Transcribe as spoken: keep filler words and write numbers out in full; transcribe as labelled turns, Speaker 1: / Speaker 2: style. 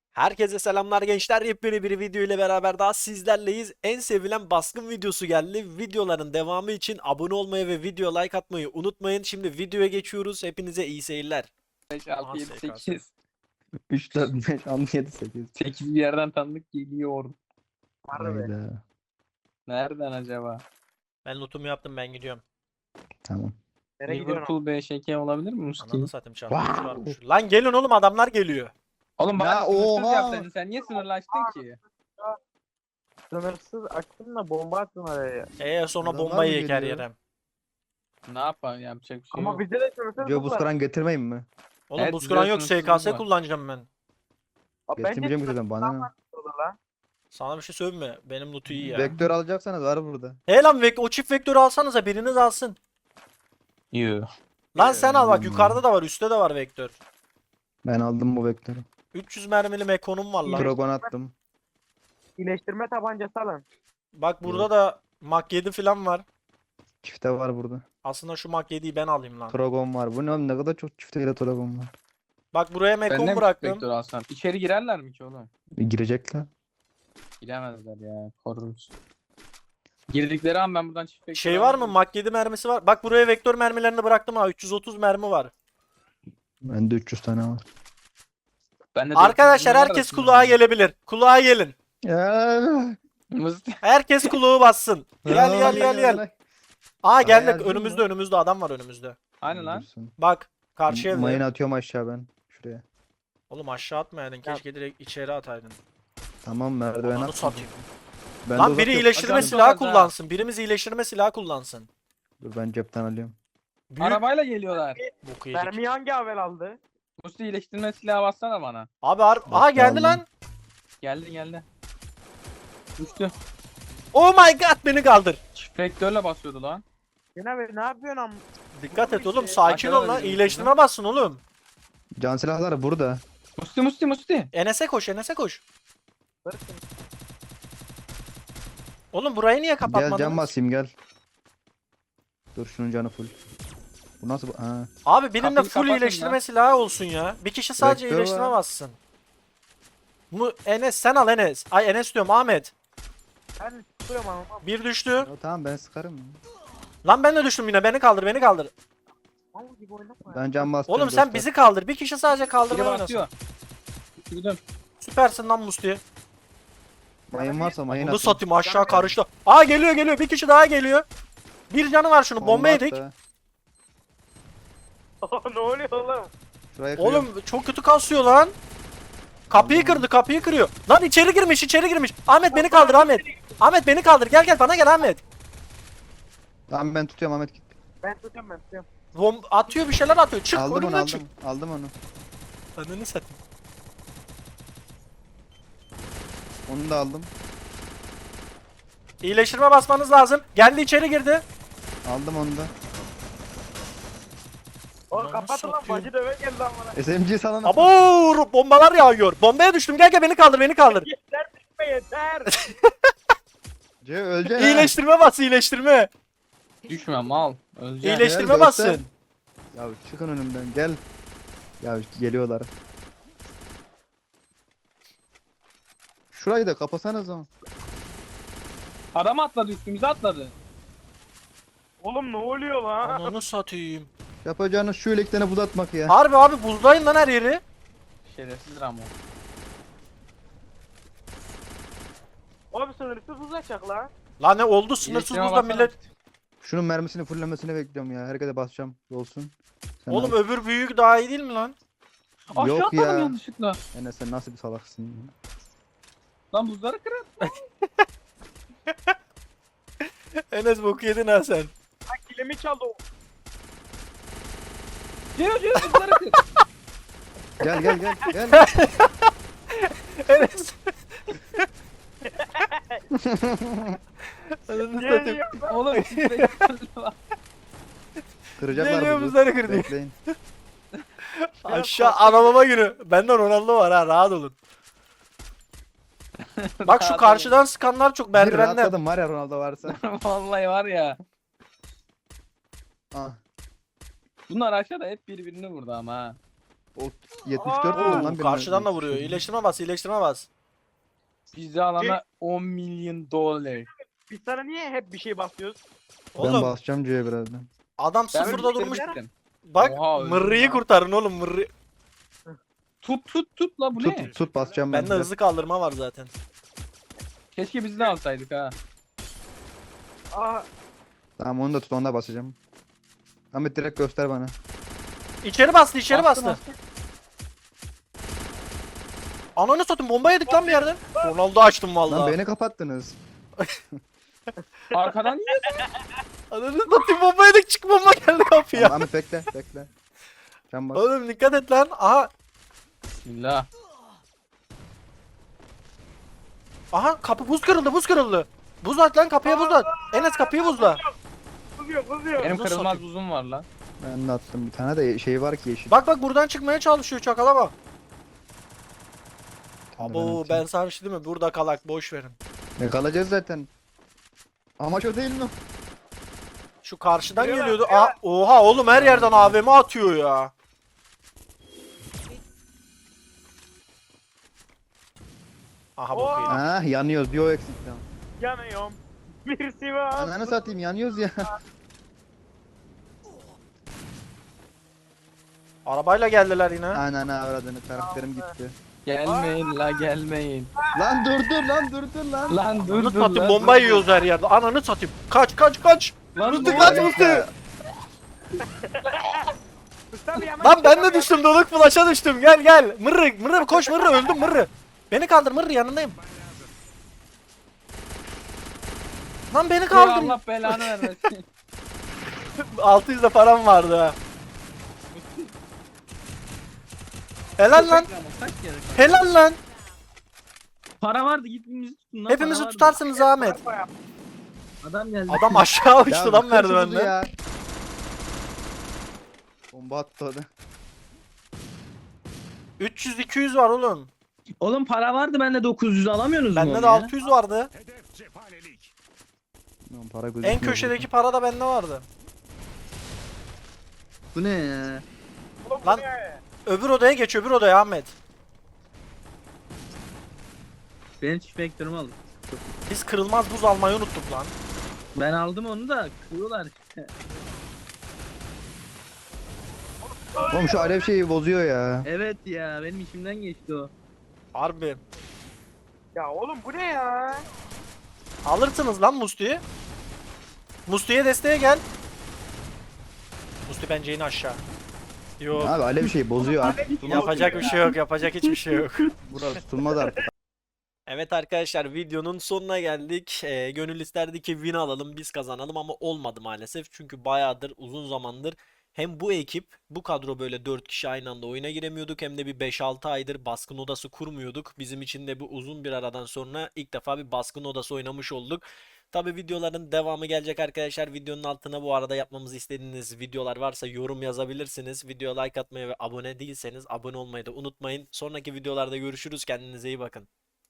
Speaker 1: Herkese selamlar gençler. Yepyeni bir video ile beraber daha sizlerleyiz. En sevilen baskın videosu geldi. Videoların devamı için abone olmayı ve video like atmayı unutmayın. Şimdi videoya geçiyoruz. Hepinize iyi seyirler.
Speaker 2: beş,
Speaker 1: Aha,
Speaker 2: altı, yedi,
Speaker 1: S K S.
Speaker 2: sekiz.
Speaker 3: üç, dört, beş, altı, yedi, sekiz.
Speaker 2: sekiz bir yerden tanıdık geliyor.
Speaker 3: Hayda.
Speaker 2: Nereden acaba?
Speaker 1: Ben lootumu yaptım, ben gidiyorum.
Speaker 3: Tamam.
Speaker 4: Nereye gidiyorsun?
Speaker 2: Liverpool B Ş K olabilir mi Musti?
Speaker 1: Ananı satayım, çarpmış varmış. Lan gelin oğlum, adamlar geliyor.
Speaker 2: Oğlum
Speaker 3: Ya,
Speaker 2: bana sınırsız
Speaker 3: oha!
Speaker 2: yapsaydın. Sen niye sınırlaştın ki?
Speaker 4: Sınırsız açtın da bomba attın oraya.
Speaker 1: Eee sonra
Speaker 3: Adamlar
Speaker 1: bombayı
Speaker 3: mı
Speaker 1: yek her
Speaker 3: geliyor?
Speaker 1: yere.
Speaker 2: Ne yapalım, yapacak bir şey
Speaker 4: Ama
Speaker 2: yok.
Speaker 4: bizde de sınırsız
Speaker 3: Diyor
Speaker 4: bu
Speaker 3: buz
Speaker 4: var.
Speaker 3: kıran getirmeyeyim mi?
Speaker 1: Oğlum
Speaker 2: Evet,
Speaker 1: buz kıran
Speaker 2: güzel
Speaker 1: yok, S K S
Speaker 2: sınırsızlık var.
Speaker 1: kullanacağım ben.
Speaker 4: Abi
Speaker 3: Getirmeyeceğim ki zaten bana ne?
Speaker 4: sınırsız lan.
Speaker 1: Sana bir şey söyleyeyim mi? Benim lootu iyi ya.
Speaker 3: Vektör alacaksanız var burada.
Speaker 1: He lan vek o çift vektörü alsanıza, biriniz alsın.
Speaker 2: Yoo.
Speaker 1: Lan sen al bak,
Speaker 3: Hmm.
Speaker 1: yukarıda da var, üstte de var vektör.
Speaker 3: Ben aldım bu vektörü.
Speaker 1: üç yüz mermili mekonum var lan.
Speaker 3: Dragon attım.
Speaker 4: İyileştirme tabancası alın.
Speaker 1: Bak burada
Speaker 3: Yok.
Speaker 1: da Mak yedi falan var.
Speaker 3: Çifte var burada.
Speaker 1: Aslında şu Mak yediyi ben alayım lan.
Speaker 3: Dragon var. Bu ne oğlum, ne kadar çok çifteyle Dragon var.
Speaker 1: Bak buraya
Speaker 2: Ben
Speaker 1: mekon
Speaker 2: de mi
Speaker 1: bıraktım.
Speaker 2: vektör alsam? İçeri girerler mi ki oğlum?
Speaker 3: E, girecekler.
Speaker 2: Giremezler ya. Koruruz. Girdikleri an ben buradan çift vektör
Speaker 1: Şey var mı?
Speaker 2: alırım.
Speaker 1: Mak yedi mermisi var. Bak buraya vektör mermilerini bıraktım ha. üç yüz otuz mermi var.
Speaker 3: Bende üç yüz tane var.
Speaker 2: Bende de
Speaker 1: Arkadaşlar
Speaker 2: var
Speaker 1: herkes
Speaker 2: aslında.
Speaker 1: kulağa gelebilir. Kulağa gelin.
Speaker 3: Ya.
Speaker 2: Musti.
Speaker 1: Herkes kulağı bassın. Gel gel gel gel. Aa geldik.
Speaker 3: yazdın
Speaker 1: Önümüzde
Speaker 3: mı?
Speaker 1: önümüzde adam var önümüzde.
Speaker 2: Hani lan?
Speaker 3: Dursun.
Speaker 1: Bak karşı evde.
Speaker 3: Mayın atıyorum aşağı ben. Şuraya.
Speaker 1: Oğlum aşağı atmayaydın. Keşke direkt içeri ataydın.
Speaker 3: Tamam, merdiven
Speaker 1: Ananı
Speaker 3: attım.
Speaker 1: satayım.
Speaker 3: Ben de
Speaker 1: Lan biri
Speaker 3: uzatıyorum.
Speaker 1: iyileştirme
Speaker 2: Hocam,
Speaker 1: silahı
Speaker 2: çok az ha.
Speaker 1: kullansın. Birimiz iyileştirme silahı kullansın.
Speaker 3: Dur ben cepten alıyorum.
Speaker 1: Büyük
Speaker 2: Arabayla geliyorlar.
Speaker 1: boku yedik.
Speaker 4: Mermiyi hangi havel aldı?
Speaker 2: Musti iyileştirme silahı bassana bana.
Speaker 1: Abi ar- aha geldi
Speaker 3: aldım.
Speaker 1: lan.
Speaker 2: Geldi geldi. Düştü.
Speaker 1: Oh my god, beni kaldır.
Speaker 2: Çift vektörle basıyordu lan.
Speaker 4: Yine be ne yapıyorsun am?
Speaker 1: Dikkat et
Speaker 4: Bir
Speaker 1: oğlum,
Speaker 4: şey-
Speaker 1: sakin ol
Speaker 2: Aşağıda
Speaker 1: lan.
Speaker 2: da bir
Speaker 1: İyileştirme bassın oğlum.
Speaker 3: Can silahları burada.
Speaker 2: Musti Musti Musti.
Speaker 1: Enes'e koş, Enes'e koş.
Speaker 4: Bırakın.
Speaker 1: Oğlum burayı niye
Speaker 3: Gel can
Speaker 1: kapatmadınız?
Speaker 3: basayım gel. Dur şunun canı full. Bu nasıl bu- ha.
Speaker 1: Abi birinde
Speaker 2: Kapıyı
Speaker 1: full
Speaker 2: kapatın
Speaker 1: iyileştirme
Speaker 2: lan.
Speaker 1: silahı olsun ya. Bir kişi sadece
Speaker 3: Vektör
Speaker 1: iyileştirme
Speaker 3: var.
Speaker 1: bassın. Bu Enes sen al Enes. Ay Enes diyorum, Ahmet.
Speaker 4: Ben tutuyorum ama.
Speaker 1: Bir düştü.
Speaker 3: Ya tamam ben sıkarım. ya.
Speaker 1: Lan ben de düştüm yine. Beni kaldır, beni kaldır.
Speaker 4: Mal gibi oynama ya.
Speaker 3: Ben can bastım.
Speaker 1: Oğlum sen
Speaker 3: dostlar.
Speaker 1: bizi kaldır. Bir kişi sadece
Speaker 2: Biri
Speaker 1: kaldırma oynasın.
Speaker 2: basıyor. Gidelim.
Speaker 1: Süpersin lan Musti.
Speaker 3: Mayın varsa mayın
Speaker 1: Bunu
Speaker 3: atın.
Speaker 1: satayım, aşağı karıştı. Aa geliyor geliyor. Bir kişi daha geliyor. Bir canı var şunu. Bomba
Speaker 3: Bomba
Speaker 1: yedik.
Speaker 3: attı.
Speaker 4: ne oluyor oğlum?
Speaker 3: Şuraya kırıyorum.
Speaker 1: Oğlum çok kötü kasıyor lan. Kapıyı kırdı, kapıyı kırıyor. Lan içeri girmiş, içeri girmiş. Ahmet beni kaldır Ahmet. Ahmet beni kaldır. Gel gel bana gel Ahmet.
Speaker 3: Tamam ben tutuyorum Ahmet git.
Speaker 4: Ben tutuyorum ben tutuyorum.
Speaker 1: Bom atıyor, bir şeyler atıyor. Çık
Speaker 3: aldım onu
Speaker 1: önümden
Speaker 3: aldım.
Speaker 1: çık.
Speaker 3: Aldım onu.
Speaker 1: Ananı satayım.
Speaker 3: Onu da aldım.
Speaker 1: İyileştirme basmanız lazım. Geldi, içeri girdi.
Speaker 3: Aldım onu da.
Speaker 4: Oğlum
Speaker 1: Ananı
Speaker 4: kapatın lan,
Speaker 1: satayım.
Speaker 4: bacı döve geldi lan bana.
Speaker 3: S M G sana
Speaker 1: Abo bombalar yağıyor. Bombaya düştüm. Gel gel beni kaldır, beni kaldır.
Speaker 4: Yeter düşme yeter.
Speaker 3: C öleceksin.
Speaker 1: İyileştirme bas, iyileştirme.
Speaker 2: Düşme mal. Öleceksin.
Speaker 1: İyileştirme
Speaker 3: Gel,
Speaker 1: bassın.
Speaker 3: göster. Ya çıkın önümden gel. Ya geliyorlar. Şurayı da kapasanız ama.
Speaker 2: Adam atladı, üstümüze atladı.
Speaker 4: Oğlum ne oluyor lan?
Speaker 1: Ananı satayım.
Speaker 3: Yapacağınız şu elekten buz atmak ya.
Speaker 1: Harbi abi, buzdayın lan her yeri.
Speaker 2: Şerefsiz Ramo.
Speaker 4: Oğlum sınırsız uzayacak lan.
Speaker 1: Lan ne oldu, sınırsız
Speaker 2: İyileştirme
Speaker 1: buzda
Speaker 2: baksana.
Speaker 1: millet.
Speaker 3: Şunun mermisini fullemesini bekliyorum ya. Herkese basacağım. Olsun. Sen
Speaker 1: Oğlum
Speaker 3: al.
Speaker 1: öbür büyük daha iyi değil mi lan?
Speaker 2: Aşağı
Speaker 3: Yok
Speaker 2: atladım
Speaker 3: ya.
Speaker 2: yanlışlıkla.
Speaker 3: Enes sen nasıl bir salaksın ya.
Speaker 2: Lan buzları kırın.
Speaker 1: Enes boku yedin ha sen.
Speaker 4: Ha kilimi çaldı o.
Speaker 2: Ciro Ciro buzları kır.
Speaker 3: Gel gel gel gel.
Speaker 1: Enes. Ananı
Speaker 4: Niye
Speaker 1: satayım.
Speaker 4: diyor?
Speaker 2: Oğlum çift vektörle bak.
Speaker 3: Kıracaklar
Speaker 1: Geliyor
Speaker 3: buzu.
Speaker 1: buzları kırdı.
Speaker 3: Bekleyin.
Speaker 1: Aşağı anamama günü. Benden Ronaldo var ha, rahat olun. Bak şu karşıdan sıkanlar çok
Speaker 3: Bir
Speaker 1: merdivenden.
Speaker 3: rahatladım var ya Ronaldo varsa.
Speaker 2: Vallahi var ya.
Speaker 3: Ah.
Speaker 2: Bunlar aşağıda hep birbirini vurdu ama ha.
Speaker 3: O yetmiş dört
Speaker 4: Aa!
Speaker 3: vurdum lan
Speaker 1: Oo,
Speaker 3: benim.
Speaker 1: karşıdan da
Speaker 3: öyle
Speaker 1: vuruyor.
Speaker 3: şey.
Speaker 1: İyileştirme bas, iyileştirme bas.
Speaker 2: Bizi alana on milyon dolar.
Speaker 4: Biz sana niye hep bir şey basıyoruz?
Speaker 3: Ben
Speaker 1: Oğlum
Speaker 3: basacağım C'ye birazdan.
Speaker 1: adam
Speaker 2: Ben
Speaker 1: sıfırda durmuş.
Speaker 2: bitirmiştim.
Speaker 1: Bak
Speaker 2: Oha, öldüm
Speaker 1: mırrıyı
Speaker 2: lan.
Speaker 1: kurtarın oğlum mırrı.
Speaker 2: Tut tut tut la bu
Speaker 3: Tut
Speaker 2: ne?
Speaker 3: tut basacağım ben.
Speaker 1: Bende hızlı kaldırma var zaten.
Speaker 2: Keşke biz de alsaydık ha.
Speaker 4: Aa,
Speaker 3: Tamam onu da tut, onu da basacağım. Ahmet direkt göster bana.
Speaker 1: İçeri bastı, içeri
Speaker 2: Bastı,
Speaker 1: bastı. Ananı satayım, bomba yedik lan bir yerden. Ronaldo açtım
Speaker 3: Lan
Speaker 1: vallahi.
Speaker 3: beni kapattınız.
Speaker 2: Arkadan niye?
Speaker 1: Ananı satayım, bomba yedik, çık bomba geldi kapıya.
Speaker 3: Tamam, Ahmet bekle bekle. Can bas.
Speaker 1: Oğlum dikkat et lan. Aha.
Speaker 2: Bismillah.
Speaker 1: Aha kapı buz kırıldı, buz kırıldı. Buz at lan, kapıya buz at. Enes kapıyı buzla.
Speaker 4: kızıyor kızıyor.
Speaker 2: Benim
Speaker 1: Nasıl
Speaker 2: kırılmaz
Speaker 1: satayım?
Speaker 2: uzun var lan.
Speaker 3: Ben de attım bir tane de şey var ki yeşil.
Speaker 1: Bak bak buradan çıkmaya çalışıyor, çakala bak.
Speaker 3: Tamam,
Speaker 1: Abo
Speaker 3: atayım.
Speaker 1: ben sana bir şey diyeyim mi? Burada kalak, boş verin.
Speaker 3: Ne kalacağız zaten. Amaç o değil mi?
Speaker 1: Şu karşıdan
Speaker 4: Geliyorlar,
Speaker 1: geliyordu.
Speaker 4: geliyorlar.
Speaker 1: Aa, oha oğlum her yerden A V M atıyor ya. Aha bu
Speaker 4: Oha.
Speaker 1: kıyı.
Speaker 3: Ah yanıyoruz, bir o eksik tamam.
Speaker 4: Yanıyorum. Bir Sivas.
Speaker 3: Ananı satayım, yanıyoruz ya.
Speaker 1: Arabayla geldiler yine.
Speaker 3: Ananı avradını, karakterim gitti.
Speaker 2: Gelmeyin la gelmeyin.
Speaker 3: Lan dur dur lan dur dur lan.
Speaker 2: Lan dur
Speaker 1: Ananı
Speaker 2: dur
Speaker 1: satayım,
Speaker 2: lan,
Speaker 1: bomba
Speaker 2: dur,
Speaker 1: yiyoruz her yerde. Ananı satayım. Kaç kaç kaç.
Speaker 2: Lan
Speaker 1: Musti
Speaker 2: ne
Speaker 1: kaç
Speaker 2: oluyor?
Speaker 1: Musti.
Speaker 4: Tabii hemen
Speaker 1: Lan ben de
Speaker 4: çıkamıyorum.
Speaker 1: düştüm, doluk flash'a düştüm. Gel gel. Mırrı mırrı koş, mırrı öldüm mırrı. Beni kaldır mırrı, yanındayım. Lan beni
Speaker 2: Ya
Speaker 1: kaldır.
Speaker 2: Allah belanı vermesin.
Speaker 1: altı yüz de param vardı ha. Helal lan.
Speaker 2: Kaç kere?
Speaker 1: Helal lan.
Speaker 2: Para vardı gitmemizi tutun lan.
Speaker 1: Hepimizi
Speaker 2: para vardı.
Speaker 1: tutarsınız Ahmet.
Speaker 2: Adam geldi.
Speaker 1: Adam aşağı
Speaker 3: Ya
Speaker 1: uçtu lan
Speaker 3: kır şu buzu
Speaker 1: merdivenden.
Speaker 3: ya. Bomba attı o da.
Speaker 1: üç yüz iki yüz var oğlum.
Speaker 5: Oğlum para vardı bende dokuz yüz alamıyorsunuz mu
Speaker 1: Bende
Speaker 5: onu
Speaker 1: de
Speaker 5: ya?
Speaker 1: altı yüz vardı.
Speaker 3: Lan para gözükmüyor
Speaker 1: En köşedeki para da bende vardı.
Speaker 5: Bu ne ya?
Speaker 4: Oğlum,
Speaker 1: Lan.
Speaker 4: bu ne?
Speaker 1: Öbür odaya geç, öbür odaya Ahmet.
Speaker 5: Benim çift vektörümü alın.
Speaker 1: Biz kırılmaz buz almayı unuttuk lan.
Speaker 5: Ben aldım onu da kırıyorlar.
Speaker 3: Oğlum şu alev şeyi bozuyor ya.
Speaker 5: Evet ya benim içimden geçti o.
Speaker 1: Harbi.
Speaker 4: Ya oğlum bu ne ya?
Speaker 1: Alırsınız lan Musti'yi. Musti'ye desteğe gel. Musti bence in aşağı. Yok.
Speaker 3: Abi alev şeyi bozuyor artık.
Speaker 1: Yapacak bir şey yok, yapacak hiçbir şey yok.
Speaker 3: Burası tutulmaz artık.
Speaker 1: Evet arkadaşlar, videonun sonuna geldik. Ee, gönül isterdi ki win alalım, biz kazanalım ama olmadı maalesef. Çünkü bayağıdır, uzun zamandır hem bu ekip, bu kadro böyle dört kişi aynı anda oyuna giremiyorduk, hem de bir beş altı aydır baskın odası kurmuyorduk. Bizim için de bu uzun bir aradan sonra ilk defa bir baskın odası oynamış olduk. Tabi videoların devamı gelecek arkadaşlar. Videonun altına bu arada yapmamızı istediğiniz videolar varsa yorum yazabilirsiniz. Videoya like atmayı ve abone değilseniz abone olmayı da unutmayın. Sonraki videolarda görüşürüz. Kendinize iyi bakın.